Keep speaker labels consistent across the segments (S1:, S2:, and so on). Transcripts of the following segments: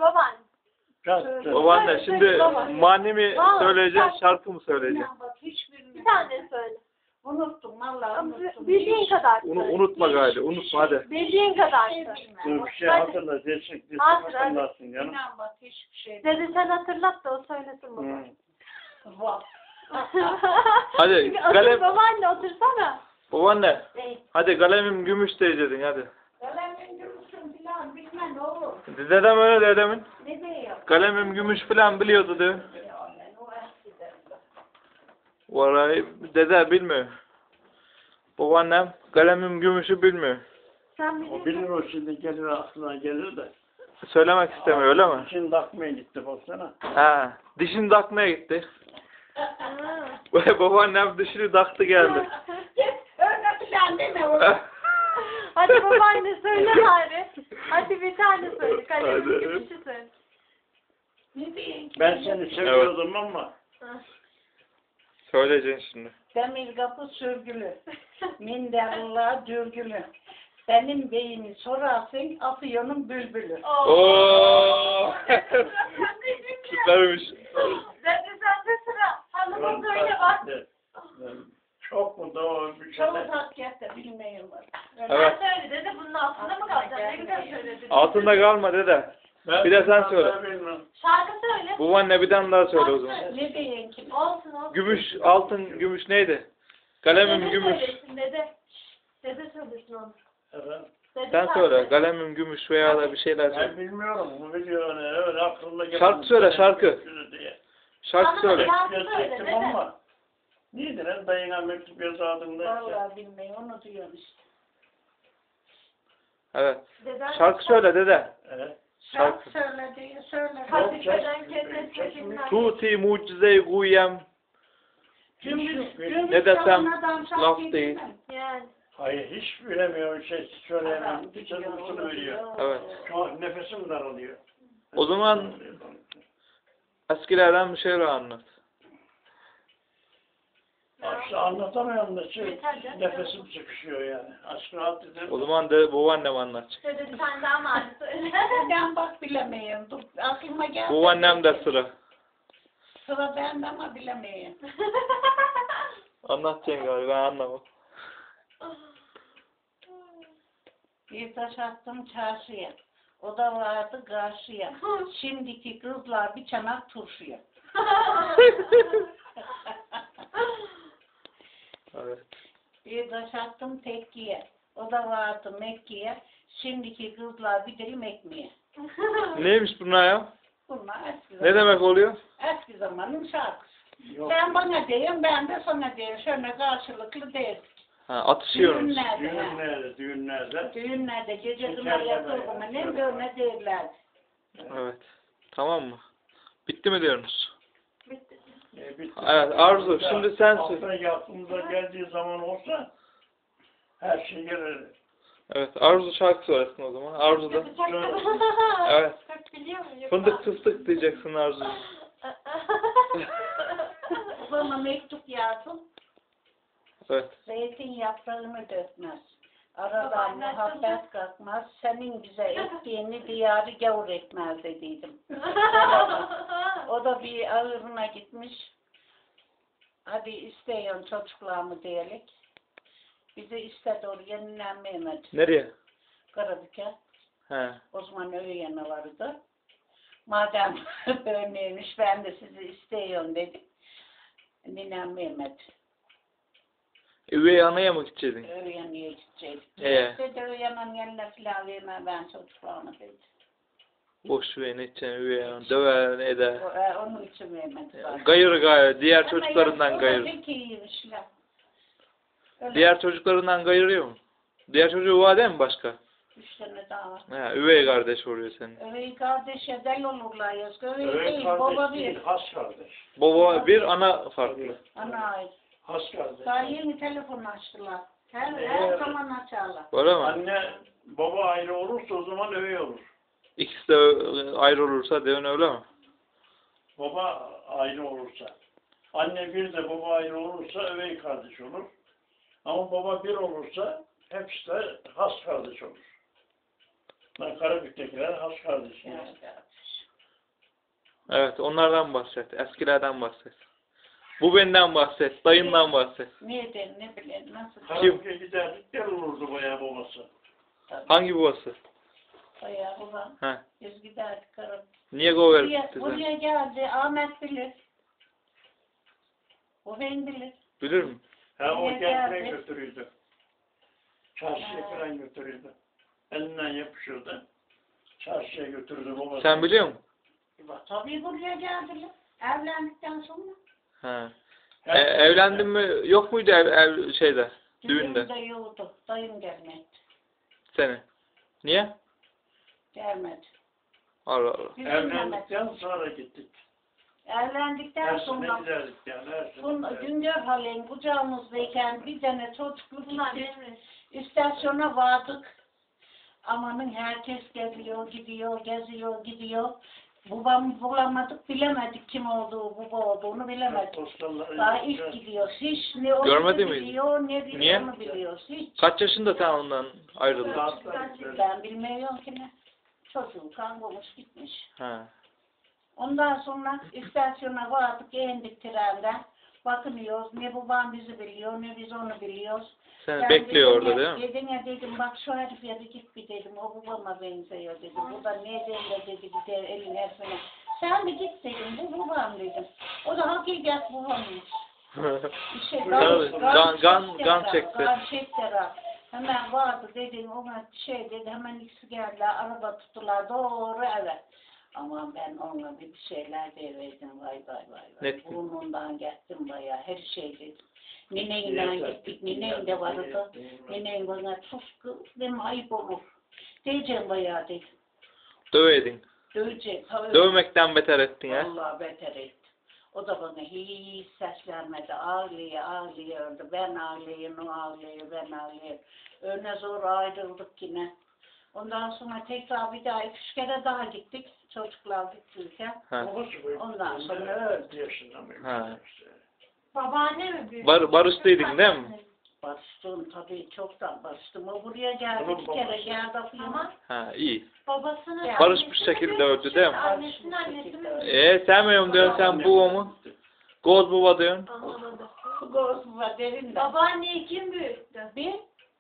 S1: babaanne.
S2: Babaanne şimdi mani mi söyleyeceksin, şarkı mı söyleyeceksin?
S1: Bir tane söyle.
S3: Unuttum vallahi unuttum.
S1: Bildiğin kadar söyle.
S2: Unutma gayri, unutma hadi.
S1: Bildiğin kadar söyle.
S4: Dur bir şey hatırla. Desek hatırlarsın canım.
S3: İnan bak hiçbir şey.
S1: Dede sen hatırlat da o söylesin baba.
S3: Vah.
S2: Hadi kalem,
S1: Babaanne otursana.
S2: babaanne. Hadi kalemim gümüş diyeceksin hadi.
S3: Kalemin gümüşün filan bilmem ne olur.
S2: Dedem öyle dedemin.
S3: Ne diyor?
S2: Kalemim gümüş falan biliyordu diyor. Vallahi dede bilmiyor. Babaannem kalemim gümüşü bilmiyor.
S1: Sen
S4: O
S1: bilirsin.
S4: bilir o şimdi gelir aklına gelir de.
S2: Söylemek istemiyor öyle mi?
S4: Şimdi takmaya gitti baksana.
S2: Ha, dişini takmaya gitti.
S1: Ha.
S2: Babaannem dişini taktı geldi.
S3: Öyle filan deme oğlum.
S1: Hadi babaanne söyle bari. Hadi bir tane söyle. Kalemin
S2: Hadi.
S1: gümüşü söyle.
S3: Ne diyeyim ki?
S4: Ben seni seviyordum ama.
S2: Söyleyeceksin şimdi.
S3: Demir kapı sürgülü. Minderullah dürgülü. Benim beyimi sorarsın Afyon'un bülbülü.
S2: Oo. Süpermiş.
S1: Dede sende sıra. Hanımın söyle bak.
S4: Çok mu doğru bir şey.
S3: Çok hakikaten bilmiyorum.
S2: Evet.
S1: Sen söyle dede bunun altında mı kalacaksın? Ne güzel söyledin.
S2: Altında kalma dede. Bir de sen söyle.
S1: Şarkı söyle.
S2: Babaanne bir tane daha söyle o zaman.
S3: Ne diyeyim ki?
S1: Olsun olsun.
S2: Gümüş, altın, gümüş neydi? Kalemim
S1: Dede
S2: gümüş.
S1: söylesin dede. Dede söylesin onu.
S4: Evet.
S1: Dede
S2: Sen söyle. Kalemim gümüş veya da bir şeyler
S4: Ben
S2: söyle.
S4: bilmiyorum. Bu biliyor öyle aklımda geldi.
S2: Şarkı söyle, şarkı.
S4: Diye.
S2: Şarkı söyle.
S1: Şarkı söyle
S4: Gezecektim
S1: dede.
S4: ama. Neydi lan dayına mektup yazardım da.
S3: Vallahi bilmiyorum onu diyorum işte.
S2: Evet.
S1: Deden
S2: Şarkı söyle dede.
S4: Evet.
S3: Şarkı söyle diye söyle.
S1: Hafifeden kendisine bilmem.
S2: Tuti mucize-i guyem. Ne desem laf değil.
S1: Yani.
S4: Hayır hiç bilemiyorum şey söyleyemem. Bir sözünü veriyor.
S2: Evet.
S4: Şu an nefesim daralıyor.
S2: O zaman eskilerden bir şeyler anlat.
S4: İşte anlatamıyorum da şey,
S1: Yeter canım.
S4: nefesim sıkışıyor yani. Aşkı rahat
S2: O zaman de babaannem anlatacak.
S1: Dede bir tane daha mı söyle.
S3: Ben bak bilemiyorum. Dur, aklıma geldi.
S2: Babaannem de sıra.
S3: Sıra bende ama bilemiyorum.
S2: Anlatacaksın galiba ben anlamam.
S3: Bir taş attım çarşıya. O da vardı karşıya. Şimdiki kızlar bir çanak turşuya.
S2: Evet.
S3: Bir taş attım tekkiye. O da vardı Mekke'ye. Şimdiki kızlar bir dilim ekmeğe.
S2: Neymiş bunlar ya?
S3: Bunlar eski
S2: Ne
S3: zaman.
S2: demek oluyor?
S3: Eski zamanın şarkısı.
S4: Yok.
S3: Sen bana diyeyim, ben de sana diyeyim. Şöyle karşılıklı değil.
S2: Ha, atışıyoruz.
S3: Düğünlerde. ha.
S4: Düğünlerde, düğünlerde.
S3: Düğünlerde gece kına yapıldı mı? Ne böyle derler.
S2: Evet. Tamam mı? Bitti mi diyorsunuz?
S1: Bitti.
S4: Bitti.
S2: Evet Arzu şimdi sen söyle.
S4: Hafta aklımıza geldiği zaman olsa her şey gelir.
S2: Evet Arzu şarkı söylesin o zaman. Arzu da. Evet.
S1: Çok biliyor muyum?
S2: Fındık fıstık diyeceksin Arzu.
S3: Bana mektup yazdım.
S2: Evet.
S3: Zeytin yaprağını dökmez. Aradan muhabbet kalkmaz. Senin bize ettiğini diyarı gavur etmez dediydim. O da bir ağırına gitmiş. Hadi isteyin çocuklarımı diyelim. Bizi istedi oraya dinlenmeyemedi.
S2: Nereye?
S3: Karabük'e.
S2: He.
S3: O zaman öğyene vardı. Madem böyleymiş ben de sizi isteyin dedim. Dinlenmeyemedi.
S2: Üvey anaya mı gideceksin?
S3: Öğyeneye gidecektik.
S2: Ee?
S3: Dedi öğyenin yerine filan verme ben çocuklarıma dedi.
S2: Boş ver ne edeceksin üvey ana. Döver eder.
S3: Onun için vermedi.
S2: Gayır gayır. Diğer çocuklarından
S3: O da
S2: gayır.
S3: pek iyiymişler. Öyle
S2: Diğer çocuklarından gayırıyor mu? Diğer çocuğu var değil mi başka?
S3: 3 tane daha var.
S2: He, üvey kardeş oluyor senin.
S3: Öyle kardeşe del olurlar yazgı. Öyle
S4: Öyle
S3: değil. Baba
S4: kardeş
S3: bir.
S4: değil, has kardeş.
S2: Baba bir, ana farklı.
S3: Ana ait.
S4: Has kardeş.
S3: Daha yeni telefon açtılar. Her zaman açarlar.
S2: Öyle mi?
S4: Anne, baba ayrı olursa o zaman öyle olur.
S2: İkisi de ayrı olursa devin öyle mi?
S4: Baba ayrı olursa. Anne bir de baba ayrı olursa övey kardeş olur. Ama baba bir olursa hepsi de has kardeş olur. Ben Karabük'tekiler has kardeş.
S3: Yani,
S2: Evet, onlardan bahset. Eskilerden bahset. Bu benden bahset. Dayından bahset.
S3: Neden, ne bileyim, nasıl?
S4: Karaoke giderdik, gel olurdu bayağı babası.
S2: Hangi babası?
S3: Bayağı babam.
S2: He.
S3: Biz giderdik karım.
S2: Niye go
S3: Buraya,
S2: verdik bize?
S3: buraya geldi. Ahmet bilir. O ben bilir.
S2: Bilir mi?
S4: Ha o
S3: Buraya
S4: kendine
S3: geldi.
S4: götürürdü. Çarşıya falan götürürdü. Elinden yapışırdı. Çarşıya götürdü babası.
S2: Sen biliyor musun?
S3: Tabii buraya geldiler. Evlendikten sonra.
S2: He.
S4: Her-
S2: Evlendin mi? Yok muydu ev şeyde? Düğünde.
S3: Düğünde yoktu. Dayım gelmedi.
S2: Seni. Niye?
S3: Gelmedi.
S2: Allah Allah.
S3: Biz
S4: Evlendikten sonra gittik.
S3: Evlendikten
S4: Her sene
S3: sonra
S4: giderdik yani. Her sene
S3: Bun,
S4: giderdik.
S3: Güngör Halen kucağımızdayken bir tane çocuklu
S1: Bunlar
S3: gittik.
S1: benim.
S3: İstasyona vardık. Amanın herkes geliyor, gidiyor, geziyor, gidiyor. Babamı bulamadık, bilemedik kim olduğu, baba olduğunu bilemedik.
S4: Postalları
S3: Daha
S4: yiyeceğiz.
S3: ilk gidiyor. Hiç ne onu
S2: Görmedi miydin?
S3: biliyor, ne biliyor
S2: Niye?
S3: onu biliyor. Hiç.
S2: Kaç yaşında sen ondan ayrıldın?
S4: Saatler gidiyor.
S3: Ben bilmiyorum ki ne. Çocuğu kaybolmuş gitmiş.
S2: He.
S3: Ondan sonra istasyona vardık, indik trenden. Bakınıyoruz, ne babam bizi biliyor, ne biz onu biliyoruz.
S2: Seni
S3: Ben
S2: bekliyor
S3: dedim
S2: orada
S3: ya,
S2: değil mi?
S3: Dedine dedim, bak şu herif yere git bir dedim, o babama benziyor dedim. Bu da ne de dedi, gider elin hepsine. Sen bir git dedim, bu babam dedim. O da hakikat babammış. İşte
S2: Tabii, gan çekti.
S3: Gan çekti. Hemen vardı dedim, ona şey dedi, hemen ikisi geldiler, araba tuttular doğru eve. Ama ben ona bir şeyler devirdim, vay vay vay.
S2: Ne ettin?
S3: Burnundan gittim bayağı, her şey dedim. Nineyle gittik, ninen de vardı. Ninen bana sus kız, dedim ayıp olur. Diyeceğim bayağı dedim.
S2: Dövedin.
S3: Döveceğim. tabii.
S2: Dövmekten beter ettin ya.
S3: Vallahi beter etti. O da bana hiç seslenmedi. Ağlıyordu. Ben ağlıyorum, o ağlıyor, ben ağlıyorum. Öyle zor ayrıldık yine. Ondan sonra tekrar bir daha 2-3 kere daha gittik. Çocuklar gittiyken.
S2: Ha.
S4: Babası bu-
S3: Ondan sonra öldü.
S4: 6 yaşında mıymış?
S2: Ha.
S1: Babaanne mi büyük?
S2: Barıştıydın değil mi?
S3: Barıştım tabii çoktan barıştım. O buraya geldi
S4: Onun
S3: bir kere
S4: babası.
S3: geldi.
S1: Ama
S2: Ha iyi.
S1: babasının
S3: Yani
S2: barışmış
S1: annesi mi
S2: şekilde
S1: büyük,
S2: öldü değil mi?
S1: Annesinin annesi mi?
S2: Sevmiyorum diyorsun sen bu mu? Goz baba diyorsun.
S1: Anlamadım.
S3: Goz var derin de.
S1: Babaanneyi kim büyüttü?
S3: Bir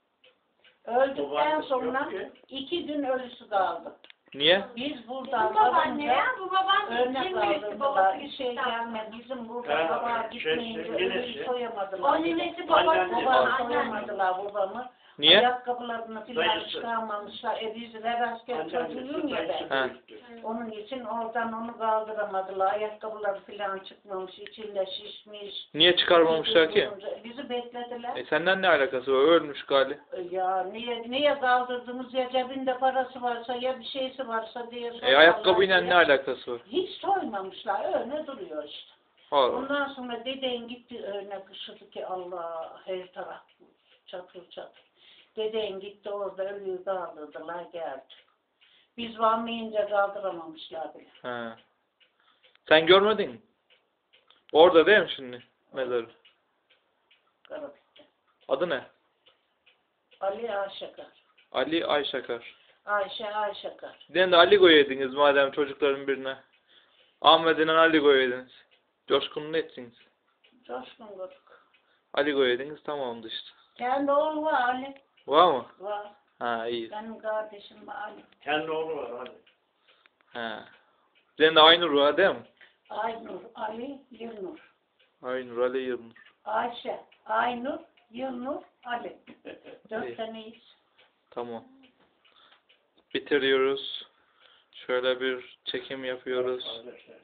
S3: öldükten
S4: Babaannesi
S3: sonra
S4: yok ki.
S3: 2 gün ölüsü kaldı.
S2: Niye?
S3: Biz
S1: Bu
S3: buradan
S1: babaanne
S3: varınca
S1: ya, bu babaanne
S3: örnek
S1: kim büyüttü?
S3: aldırdılar.
S1: Babası
S3: Bir şey
S1: gittikten
S3: gelmedi.
S1: sonra.
S3: Bizim buradan
S4: Ha,
S3: baba
S4: şey,
S3: gitmeyince
S4: nenesi.
S3: ölüyü soyamadılar.
S1: O ninesi babası.
S4: Anneanne.
S3: Babamı
S1: Anneanne.
S3: soyamadılar babamı.
S2: Niye?
S3: Ayakkabılarını filan
S4: Dayısı.
S3: çıkarmamışlar. Bizler asker çocuğuyum ya ben.
S2: Ha.
S3: Onun için oradan onu kaldıramadılar. Ayakkabıları filan çıkmamış. İçinde şişmiş.
S2: Niye çıkarmamışlar ki?
S3: Bizi beklediler.
S2: Senden ne alakası var? Ölmüş gali.
S3: Ya niye kaldırdınız ya cebinde parası varsa ya bir şeysi varsa diye sorarlar
S2: Ayakkabıyla
S3: diye.
S2: ne alakası var?
S3: Hiç soymamışlar öyle duruyor işte.
S2: Allah.
S3: Ondan sonra deden gitti öyle kışıdı ki Allah her taraf çatır çatır. Deden gitti orada ölüyü kaldırdılar geldi. Biz varmayınca kaldıramamışlar bile.
S2: Ha. Sen görmedin mi? Orada değil mi şimdi mezarı?
S3: Karabitti.
S2: Adı ne?
S3: Ali Ayşakar.
S2: Ali Ayşakar.
S3: Ayşe Ayşakar.
S2: Bir de Ali koyaydınız madem çocukların birine. Ahmet'in Ali koyaydınız. Coşkun'un etsiniz.
S3: Coşkun Guruk.
S2: Ali koyaydınız tamamdı işte.
S3: Kendi oğlu var Ali.
S2: Var mı?
S3: Var.
S2: Ha iyi.
S3: Benim kardeşim var Ali.
S4: Kendi oğlu var hadi.
S2: Ha. Senin de Aynur var değil mi?
S3: Aynur, Ali, Yılnur.
S2: Aynur, Ali, Yılnur.
S3: Ayşe, Aynur, Yılnur, Ali.
S2: İyi.
S3: 4 taneyiz.
S2: Tamam. Bitiriyoruz. Şöyle bir çekim yapıyoruz.
S4: Kardeşler.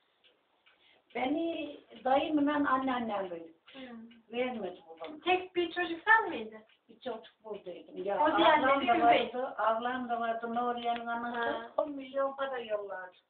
S3: Beni dayımla anneannem büyüttü.
S1: Hı.
S3: Vermedi babam.
S1: Tek bir çocuk sen miydin?
S3: Bir çocuk buradaydım. Ya,
S1: O diğerleri
S3: ablam da
S1: üvey.
S3: vardı, ablam da vardı, Nuriye'nin anası.
S1: Ha.
S3: 10 milyon para yollardı.